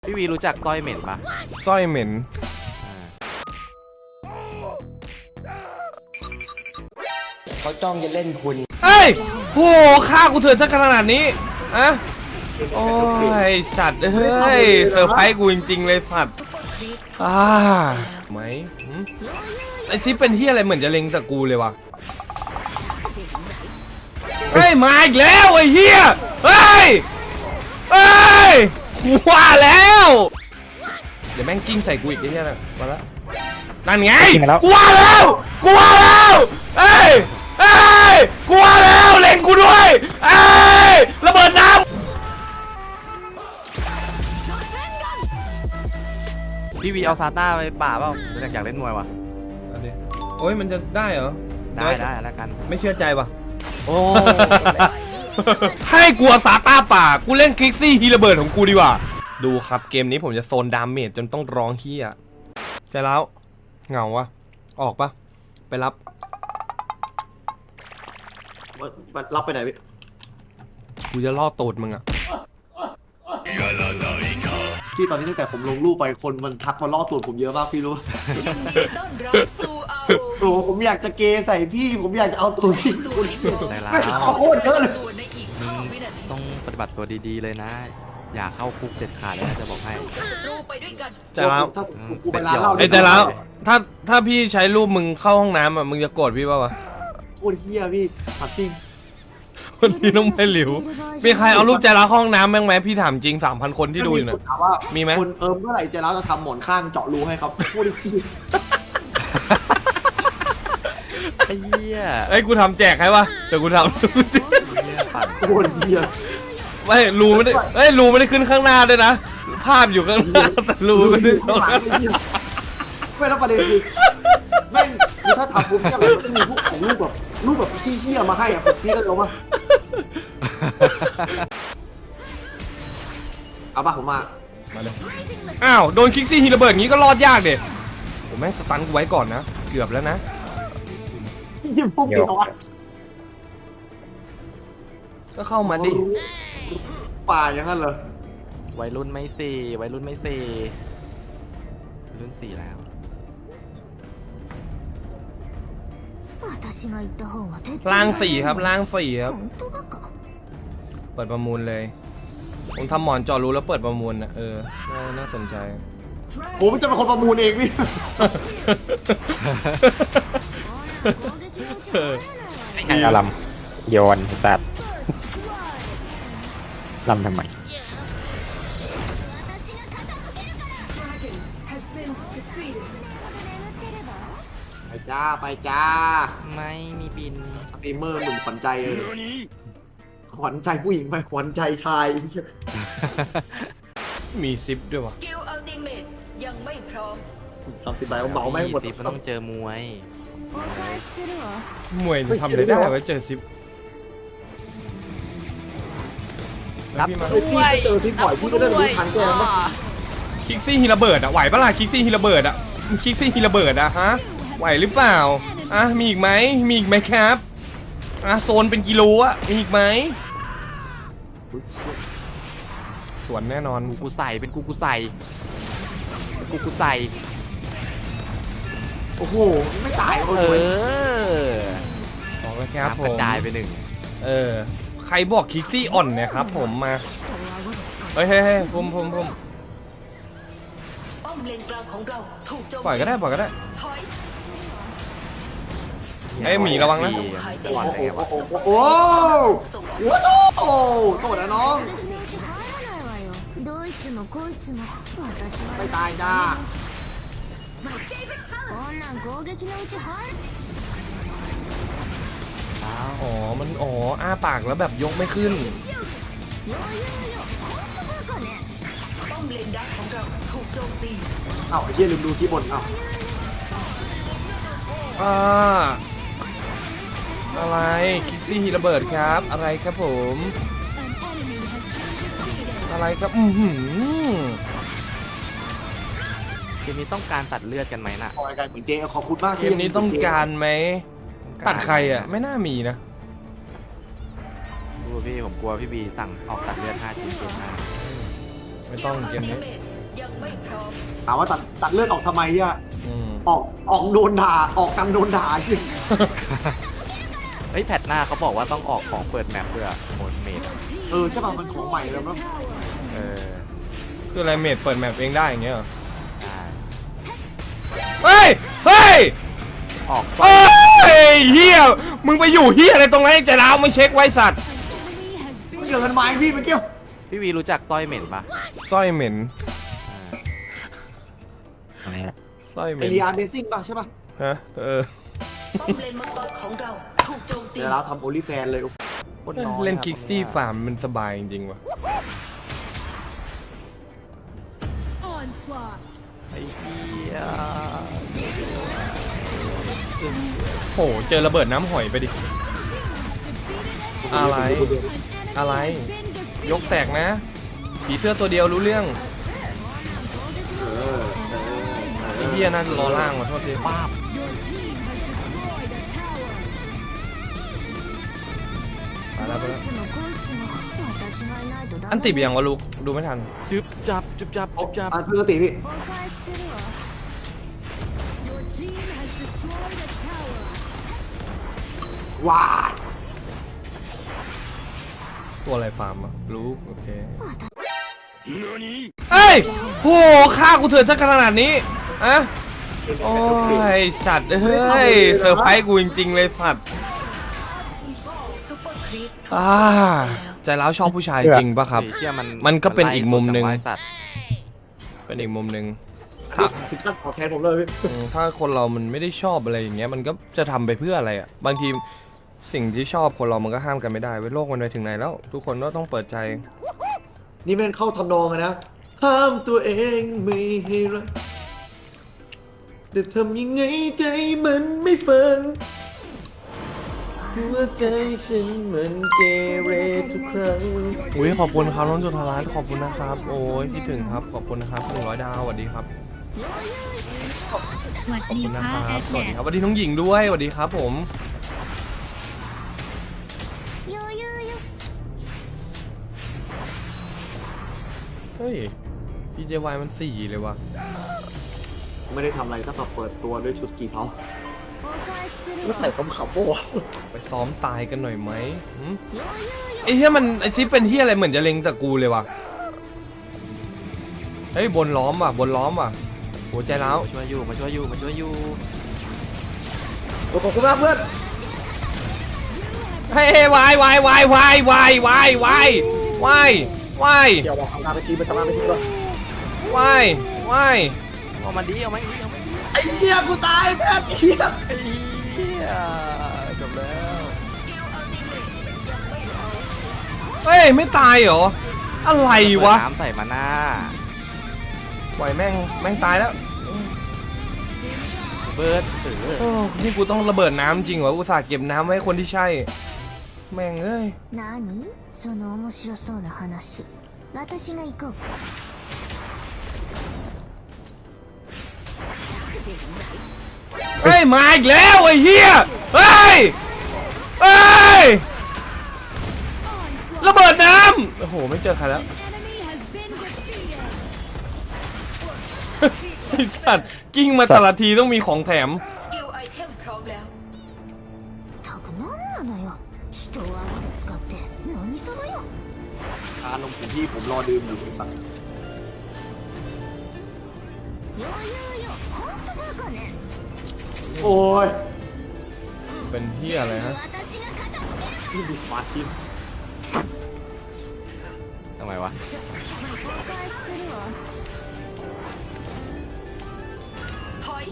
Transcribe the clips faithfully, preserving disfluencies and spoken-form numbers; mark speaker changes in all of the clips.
Speaker 1: พี่วีรู้จักสร้อยเหม็นปะ
Speaker 2: สร้อยเหม็น
Speaker 3: เขาจ้องจะเล่นคุณ
Speaker 2: เอ้ยโหฆ่ากูเถื่อนซะขนาดนี้อะโอ้ยสัตว์เฮ้ยเซอร์ไพรส์กูจริงๆเลยสัตว์อ่าไหมไอซิปเป็นที่อะไรเหมือนจะเล็งแต่กูเลยวะเฮ้ยมาอีกแล้วไอ้เหี้ยเฮ้ยเฮ้ยกูว่าแล้วเดี๋ยวแม่งกิ้งใส่กูอีกไอ้เหี้ยนะมาแล้วนั่นไงกูว่าแล้วกูว่าแล้วเฮ้ยเฮ้ยกูว่าแล้วเล็งกูด้วยเฮ้ยระเบิดน้ำ
Speaker 1: พี่วีเอาซาต้าไปป่าเปล่าอยากอยากเล่นมวยวะ
Speaker 2: โอ้ยมันจะได้เหรอ
Speaker 1: ได้ได้แล้วกัน
Speaker 2: ไม่เชื่อใจปะโอ้ให้กลัวซาต้าป่ากูเล่นคลิกซี่ฮีระเบิดของกูดีกว่าดูครับเกมนี้ผมจะโซนดาเมจจนต้องร้องเฮียใช่แล้วเหงาวะออกปะไปรับ
Speaker 3: รับไปไหนพี่
Speaker 2: กูจะล่อตูดมึงอะ
Speaker 3: พี่ตอนนี้ตั้งแต่ผมลงรูปไปคนมันทักมาล่อตูดผมเยอะมากพี่รู้โอ้ผมอยากจะเกย์ใส่พี่ผมอยากจะเอาตูดพี่
Speaker 1: ได้แล้ว
Speaker 3: โคตรเยอะเลย
Speaker 1: ต้องปฏิบัติตัวดีๆเลยนะอย่าเข้าคุกเด็ดขาดเลยนะจะบอกให้
Speaker 2: แต่แล้วไอ้แต่แล้วถ้าถ้าพี่ใช้รูปมึงเข้าห้องน้ำอ่ะมึงจะโกรธพี่ป่าวะ
Speaker 3: โคตรเฮียพี่ผัดจริง
Speaker 2: วันนี้ต้องไม่หลิวมีใครเอารูปใจรักห้องน้ำบ้างไหมพี่ถามจริงสามพันคนที่ดูอยู่เนี่ยมีไหม
Speaker 3: คนเอิมเมื่อไหร่ใจรักจะทำหมอนข้างเจาะรูให้ครับโคตรเฮีย
Speaker 1: ไอ้เหี้ย
Speaker 2: ไอ้กูทำแจกให้วะเดี๋ยวกูทำ
Speaker 3: โคตรเฮีย
Speaker 2: ไม่รูไม่ได้เอ้ยรูไม่ได้ขึ้นข้างหน้าด้วยนะภาพอยู่ข้างหน้าแต่รูไม่ได้ตรงนั้น
Speaker 3: ไม่แล้วประเด็นคือแม่งคือถ้าทำปุ๊บเนี่ยมันจะมีพวกของรูปแบบรูปแบบขี้เหี้ยมาให้อ่ะพี่ก็รู้ป่ะเอาป่ะผมมา
Speaker 2: มาเลยอ้าวโดนคิกซี่ฮีระเบิดงี้ก็รอดยากเด็ผมแม่งสตันกูไว้ก่อนนะเกือบแล้วนะ
Speaker 3: ยิ่งพุ่งติดเขา
Speaker 2: ก็เข้ามาดิ
Speaker 3: ป่าอย่างนั้นเหรอ
Speaker 1: วัยรุ่นไม่สี่วัยรุ่นไม่สี่วัยรุ่นสี่แล้ว
Speaker 2: ล่างสี่ครับล่างสี่ครับเปิดประมูลเลยผมทำหมอนจอรู้แล้วเปิดประมูลนะเออน่าสนใจ
Speaker 3: ผมจะเป็นคนประมูลเองพี่
Speaker 4: ไม่ไงลำโยนตัดลำทำไม
Speaker 3: ไปจ้าไปจ้า
Speaker 1: ไม่มีบิน
Speaker 3: สตรีมเมอร์หนุ่มขวัญใจเลยขวัญใจผู้หญิงไปขวัญใจชาย
Speaker 2: มีซิปด้วยวะ
Speaker 5: สกิลอัลติเมทยังไม่พร้อม
Speaker 3: ทำสิบใบเบาไม่หมด
Speaker 1: มันต้องเจอมวย
Speaker 2: มวยทำได้ได้ไว้เจอซิป
Speaker 1: รับ
Speaker 3: ด้วยเจอที่ปล่อยพี่ก็เริ่มรู้ทันแกมั้ย
Speaker 2: คิกซี่ฮีระเบิดอะไหวปะล่ะคิกซี่ฮีระเบิดอะคิกซี่ฮีระเบิดอะฮะไหวหรือเปล่าอ่ะมีอีกไหมมีอีกไหมครับอ่ะโซนเป็นกิโลอะมีอีกไหมสวนแน่นอน
Speaker 1: กูใส่เป็นกูกูใส่กูกูใส่
Speaker 3: โอ้โหไม่ตาย
Speaker 1: เออ
Speaker 2: บอกแล้วครับผม
Speaker 1: กระจายไปหนึ่ง
Speaker 2: เออใครบอกคิกซี่อ่อนเนี่ยครับผมมาเฮ้ยเฮ้ยผมผมผมปล่อยก็ได้ปล่อยก็ได้ไอ้หมีระวังนะ
Speaker 3: โอ้โหโอ้โหโอ้โหโอ้โหโทษนะน้องไม่ตายจ้า
Speaker 2: อ๋อมันอ๋ออ้าปากแล้วแบบยกไม่ขึ้น
Speaker 3: เอ้าไอ้เหี้ยลืมดูที่บนเอ้า
Speaker 2: อ่าอะไรคิกซี่ฮีระเบิดครับอะไรครับผมอะไรครับอือหือ
Speaker 1: เกมนี้ต้องการตัดเลือดกันไหมน่ะ
Speaker 3: ขอการเหมือนเจขอบคุณมาก
Speaker 2: เกมนี้ต้องการไหมตัดใครอ่ะไม่น่ามีนะ
Speaker 1: ดูพี่ผมกลัวพี่บีสั่งออกตัดเลือดห้าชิ้นเกมหน้า
Speaker 2: ไม่ต้องเกมนี้
Speaker 5: ยังไม่พร้อม
Speaker 3: ถามว่าตัดตัดเลือดออกทำไมเนี่ย
Speaker 2: อืม
Speaker 3: ออกออกโดนด่าออกกันโดนด่าจริง
Speaker 1: เฮ้ยแพทหน้าเขาบอกว่าต้องออกของเปิดแมปด้วยโหมดเมด
Speaker 3: เออใช่ป่ะมันของใหม่แล้วมั้ง
Speaker 1: เออ
Speaker 2: คืออะไรเมดเปิดแมปเองได้อย่างเงี้ยเหรอ
Speaker 1: ใช่
Speaker 2: เฮ้ย เฮ้ย
Speaker 1: ออก
Speaker 2: เฮ้ยเฮียมึงไปอยู่เฮียอะไรตรงนั้นใจร้าวไม่เช็คไว้สัตว์
Speaker 3: มันเกิดกันไม้พี่เมื่อกี้
Speaker 1: พี่วีรู้จักสร้อยเหม็นปะ
Speaker 2: สร้อยเหม็น
Speaker 4: อะไรอะ
Speaker 2: สร้อยเห
Speaker 3: ไอ
Speaker 2: ม็น
Speaker 3: เรียนเบซิ่งป่ะใช่ป่ะ
Speaker 2: ฮะเออ
Speaker 5: ป้อมเลนมังกรของเราถูกโจมตี
Speaker 3: เดี๋ยวเราทำโอลิแฟนเลย
Speaker 1: คนน้อย
Speaker 2: เล่น
Speaker 1: อะ
Speaker 2: คิกซี่ฟาร์มมันสบายจริงๆว่ะ
Speaker 1: ไอ้เหี้ย
Speaker 2: โหเจอระเบิดน้ำหอยไปดิ อะไร อะไร ยกแตกนะ ผีเสื้อตัวเดียวรู้เรื่อง
Speaker 3: เออเออเอ
Speaker 2: ไอ้
Speaker 3: อ
Speaker 2: เหี้ยน่าจะรอล่างว่ะโทษที
Speaker 1: ป้าบ
Speaker 2: ไปแล้วไปแล้วอันติดไปยังวะลูกดูไม่ทัน
Speaker 1: จึ๊บจับจึ๊บจับจึ๊บจับ
Speaker 3: อ่ะปกติพี่ว้าย
Speaker 2: ตัวอะไรฟาร์มอะรู้โอเคเฮ้ยโหฆ่ากูเถื่อนสักขนาดนี้อะโอ้ยสัตว์เฮ้ยเซอร์ไพรส์กูจริงๆเลยสัตว์
Speaker 5: ซุปเปอร์ครีปถูก
Speaker 2: อ่าใจร้าวชอบผู้ชายจริงปะครับ
Speaker 1: ไอ้เหี้ยมัน
Speaker 2: มันก็เป็นอีกมุมหนึ่ง
Speaker 1: ไล่สัตว์
Speaker 2: เป็นอีกมุมหนึ่ง
Speaker 3: ถึงขั้นขอแทนผมเลยพี่
Speaker 2: อืมถ้าคนเรามันไม่ได้ชอบอะไรอย่างเงี้ยมันก็จะทำไปเพื่ออะไรอ่ะบางทีสิ่งที่ชอบคนเรามันก็ห้ามกันไม่ได้เว้ยโลกมันไปถึงไหนแล้ว ทุกคนก็ต้องเปิดใจ
Speaker 3: นี่เป็นเข้าทำนองอะนะห้ามตัวเองไม่ให้รักแต่ทำยังไงใจมันไม่ฟังหัวใจฉันมันเกเรทุกครั้ง
Speaker 2: อุ้ยขอบคุณครับน้องจุฑารัตน์ขอบคุณนะครับโอ้ยคิดถึงครับขอบคุณนะครับหนึ่งร้อยดาวสวัสดีครับ
Speaker 6: สวัส
Speaker 2: ขอบ
Speaker 6: ดี
Speaker 2: คุณนะ
Speaker 6: ค่ะ
Speaker 2: ครับสวัสดีครับสวัสดีน้องหญิงด้วยสวัสดีครับผมเฮ้ย พี เจ วาย มันสี่เลยว่ะ
Speaker 3: ไม่ได้ทำอะไรตั้งแต่เปิดตัวด้วยชุดกี่เผาแล้วใส่คำขับโบ้
Speaker 2: ไปซ้อมตายกันหน่อยไหมหืมไอ้เหี้ยมันไอซิปเป็นเหี้ยอะไรเหมือนจะเล็งแต่กูเลยว่ะเฮ้ยบนล้อมว่ะบนล้อมว่ะหัวใจร้าว
Speaker 1: มาช่วยอยู่มาช่วยอยู่มาช่วยอยู่
Speaker 3: ขอบคุณมากเพื่อน
Speaker 2: เฮ้ยวายวายวายวายวายวายวายวายวาย
Speaker 3: เดี๋ยวบอกทำงานไปทีไปทำงานไปทีก่อน
Speaker 2: วายวาย
Speaker 1: เอามาดีเอามาดีเอามาดี
Speaker 3: ไอ้เหี้ยกูตายแพทย์เหี้ย
Speaker 1: ไอ้เหี้ยจบแล้ว
Speaker 5: สกิลอัลติเมทยังไม่พร้อม
Speaker 2: เฮ้ยไม่ตายเหรออะไรวะ
Speaker 1: เปิดน้ำใส่มาหน้า
Speaker 2: ปล่อยแม่งแม่งตายแล้ว
Speaker 1: เบิร์ดเออ
Speaker 2: โอ้นี่กูต้องระเบิดน้ำจริงเหรออุตส่าห์เก็บน้ำไว้ให้คนที่ใช่ แม่งเอ้ย
Speaker 6: 何その面白そうな話私が行こうか
Speaker 2: เฮ้ยมาอีกแล้วไอ้เหี้ยเฮ้ยเฮ้ยระเบิดน้ำโอ้โหไม่เจอใครแล้วไอ้สัตว์กิ้งมาแต่ละทีต้องมีของแถม
Speaker 5: สกิลไอเทมพร้อมแล้ว
Speaker 6: たく何なのよ人を顎で使って何様よ
Speaker 3: ทานลงถึงที่ผมรอดื่มอยู่ไอ้สัตว์
Speaker 6: 余裕よほんとバカね
Speaker 3: โอ้ย
Speaker 2: เป็นเหี้ยอะไรฮะ
Speaker 6: 私が片付ける
Speaker 3: นี่ดูสมาร์ททีม
Speaker 1: ทำไมวะ
Speaker 6: お返しするわ
Speaker 5: ถอย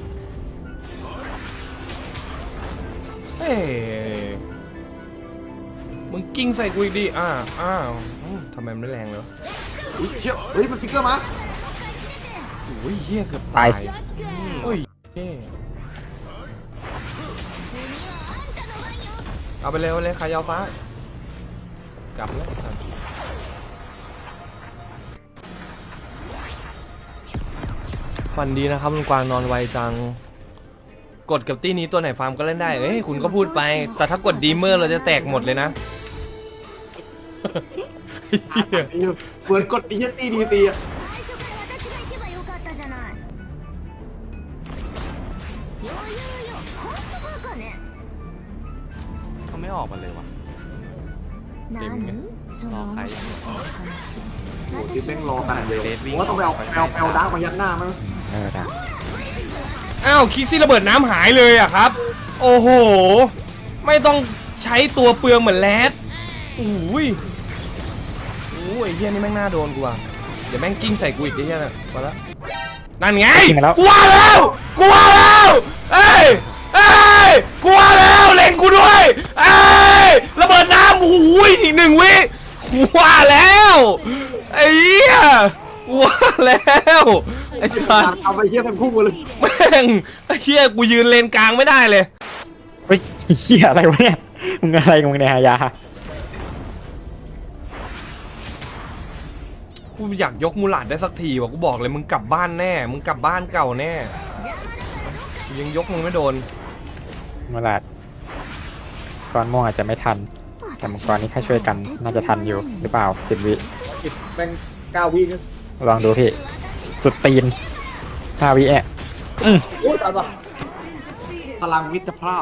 Speaker 2: เฮ้ยมึงกิ้งใส่กูอีกดิอ้าอ้าวอืมทำไมมันไม่แรงเลยวะ
Speaker 3: อุ้ยเชี่ยเฮ้ยมันฟิกเกอร์มา
Speaker 2: โอ้ยเหี้ยเกือบ
Speaker 4: ตาย
Speaker 2: โอ้ยเหี้ย
Speaker 6: 次はあんたの番よ
Speaker 2: เอาไปเลยเอาไปเลยขายาวฟ้ากลับแล้วฟันดีนะครับลุงกวางนอนไวจังกดกับตี้นี้ตัวไหนฟาร์มก็เล่นได้เอ้ยคุณก็พูดไปแต่ถ้ากดดีเมอร์เราจะแตกหมดเลยนะ
Speaker 3: เหมือนกดอีเจนตี้ดีตีอะ
Speaker 6: 最初から私が行けばない余裕よほんとバカね
Speaker 1: เขาไม่ออกมาเลยวะ
Speaker 6: 何その面白そうな話
Speaker 3: โอ้ที่แม่งรอขนาดเดียว
Speaker 1: เดทวิ่
Speaker 3: ผ
Speaker 1: ง
Speaker 3: มว่าต้องไปเอาไปเอาไปเอาดาร์กมายัดหน้ามั้ง
Speaker 4: เออนะ
Speaker 2: อ้าวคิกซี่ระเบิดน้ำหายเลยอะครับ โอ้โห ไม่ต้องใช้ตัวเปลืองเหมือนแรดอุ้ยโอ้ยไอ้เฮียนี่แม่งน่าโดนกูอ่ะเดี๋ยวแม่งกิ้งใส่กูอีกไอ้เฮียน่ะมาละนั่นไงกูว่าแล้วกูว่าแล้วเอ้ยเอ้ยกูว่าแล้วเล็งกูด้วยเอ้ยระเบิดน้ำโอ้ยอีกหนึ่งวิกูว่าแล้วไอ้เหี้ยกูว่าแล้วไอ้สัส
Speaker 3: เอาไปเยี่ยมกันพุ่งมาเลย
Speaker 2: แม่งไอ้เหี้ยกูยืนเลนกลางไม่ได้เลย
Speaker 4: เฮ้ยเหี้ยอะไรวะเนี่ยมึงอะไรของมึงเนี่ยฮายา
Speaker 2: กูอยากยกมูหลาดได้สักทีว่ะกูบอกเลยมึงกลับบ้านแน่มึงกลับบ้านเก่าแน่กูยังยกมึงไม่โดน
Speaker 4: มาลาดก้อนม่วงอาจจะไม่ทันแต่มังกรนี้แค่ช่วยกันน่าจะทันอยู่หรือเปล่าสิบวิ
Speaker 3: แม่งเก้าวินะ
Speaker 4: ลองดูพี่สุดตีนห้าวิแอะอืม
Speaker 3: โอ้ยตายปะพลังมิตรภาพ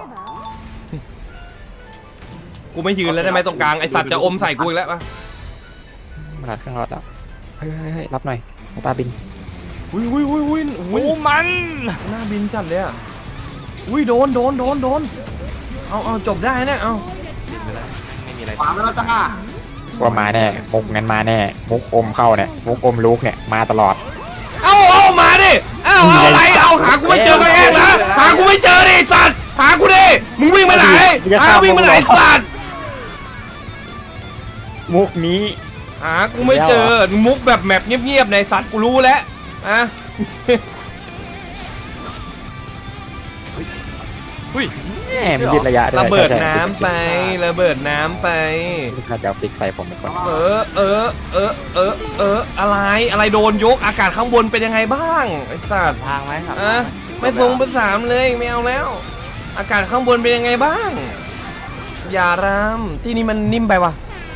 Speaker 2: กูไม่ยืนแล้วได้ไหมตรงกลางไอสัตว์จะอมใส่กูอีกแล้วปะ
Speaker 4: มาลาดข้างรอดแล้วเฮ้ยเฮ้ยเฮ้ยรับหน่อยตาบิน
Speaker 2: อุ้ยอุ้ยอุ้ยอุ้ยอุ้ย
Speaker 1: โอ้มัน
Speaker 2: หน้าบินจัดเลยอ่ะอุ้ยโดนโดนโดนโดนเอาเอาจบได้นะเอา
Speaker 1: บินไปแล้วไม่มีอะไร
Speaker 3: ขวามาแล้วจ้า
Speaker 4: ว่ามาแน่มุกงั้นมาแน่มุกอมเข้าเนี่ยมุกอมลูกเนี่ยมาตลอด
Speaker 2: เอาเอามาดิเอาเอาอะไรเอาหากูไม่เจอก็เองนะหากูไม่เจอดิไอ้สัตว์หากูดิมึงวิ่งไปไหนหาวิ่งไปไหนไอ้สัตว์
Speaker 4: มุกนี้
Speaker 2: หากูไม่เจอมุกแบบแมปเงียบๆในสัตว์กูรู้แล้วอะ
Speaker 1: อุ้ย
Speaker 4: แหมมันยืดระยะด้วย
Speaker 2: ระเบิด
Speaker 4: ใช่
Speaker 2: น้ำไประเบิดน้ำไป
Speaker 4: น่าจะเอาฟิกใส่ผมเป็นคน
Speaker 2: เออเออเออเออเอออะไรอะไรโดนยกอากาศข้างบนเป็นยังไงบ้างไอ้สัตว์
Speaker 1: ทางไหมครับ
Speaker 2: อะไม่ทรงเป็นสามเลยไม่เอาแล้ว อากาศข้างบนเป็นยังไงบ้าง อย่ารามที่นี่มันนิ่มไปวะ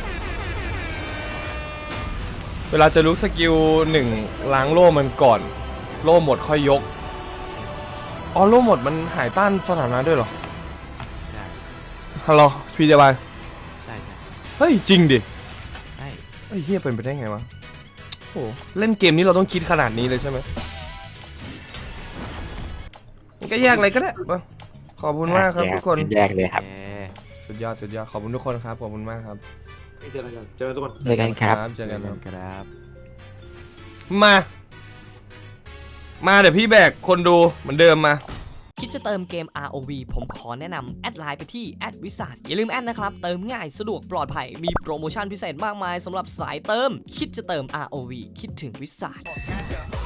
Speaker 2: เวลาจะรู้สกิลหนึ่งล้างโล่มันก่อน โล่หมดค่อยยกอ๋อโล่หมดมันหายต้านสถานะด้วยเหรอ
Speaker 1: ใช่
Speaker 2: ฮัลโหลพี่เจบาย
Speaker 1: ใช่ใช่
Speaker 2: เฮ้ยจริงดิ
Speaker 1: ใช่
Speaker 2: ไอ้เฮียเป็นไปได้ไงวะโอ้เล่นเกมนี้เราต้องคิดขนาดนี้เลยใช่ไหมก็แยกอะไรก็ได้มาขอบคุณมากครับทุกคน
Speaker 4: แยกเลยครับ
Speaker 1: แก
Speaker 2: สุดยอดสุดยอดขอบคุณทุกคนครับขอบคุณมากครับ
Speaker 3: เจอกันเจอทุกคน
Speaker 4: เจอกันครับ
Speaker 2: เจอกันครับ
Speaker 1: ครับ
Speaker 2: มา มาเดี๋ยวพี่แบกคนดูเหมือนเดิมมา
Speaker 7: คิดจะเติมเกม อาร์ โอ วี ผมขอแนะนำแอดไลน์ไปที่แอดวิสาทอย่าลืมแอดนะครับ เติมง่ายสะดวกปลอดภัย มีโปรโมชั่นพิเศษมากมายสำหรับสายเติม คิดจะเติม อาร์ โอ วี คิดถึงวิสาท